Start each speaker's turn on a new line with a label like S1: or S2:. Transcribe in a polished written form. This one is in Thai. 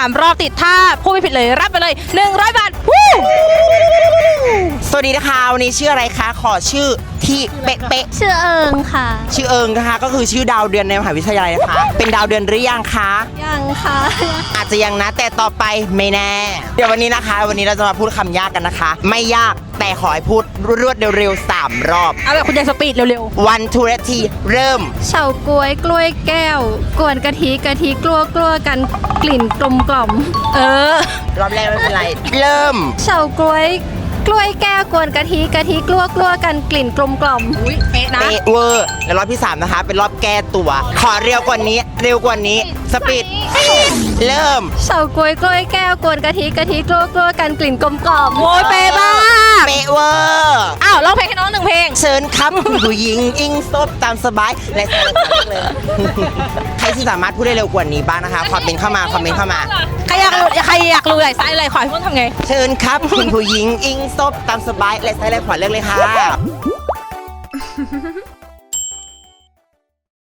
S1: 3 รอบติดถ้าพูดไม่ผิดเลยรับไปเลย100 บาท
S2: สวัสดีนะคะวันนี้ชื่ออะไรคะขอชื่อที่เป๊ะ
S3: ชื่อเอิงค่ะ
S2: ๆชื่อเอิงนะคะก็คือชื่อดาวเดือนในมหาวิทยาลัยนะคะเป็นดาวเดือนหรือยังคะ
S3: ยังค่ะ
S2: อาจจะยังนะแต่ต่อไปไม่แน่เดี๋ยววันนี้นะคะ วันนี้เราจะมาพูดคำยากกันนะคะ ไม่ยากแต่ขอให้พูดรวดเร็วๆ3 รอบ
S1: เอาแบบคุณยายสปีดเร็ว
S2: 1 2 3เริ่ม
S3: เฉาก๊วยกล้วยแก้ว กวนกะทิกลัวกันกลิ่นกลมกล่อม
S1: ๆเออ
S2: รอบแรกไม่เป็นไรเริ่ม
S3: เฉาก๊วยกล้วยแก้วกวนกะทิกลัวกันกลิ่นกลมกล่อม
S1: อุ้ยเป๊ะนะ
S2: เป๊ะเวอร์และรอบที่3นะคะเป็นรอบแก้ตัว ขอเร็วกว่านี้สปีดเริ่ม
S3: เฉาก๊วยกล้วยแก้วกวนกะทิกลัวกันกลิ่นกลมกล่อม
S1: โอ้ยเป๊ะมาก
S2: เป๊ะเวอร์
S1: อ้าวร้องเพลงให้น้อง1 เพลง
S2: เชิญครับคุณผู้หญิงอิงซบตามสบายและเลยใครที่สามารถพูดได้เร็วกว่านี้บ้างนะคะคอมเมนต์เข้ามา
S1: ใครอยากรู้อะไรไซส์อะไรขอให้พูดทำไง
S2: เชิญครับคุณผู้หญิงอิงซบตามสบายและใช้เลยขอเลือกเลยค่ะ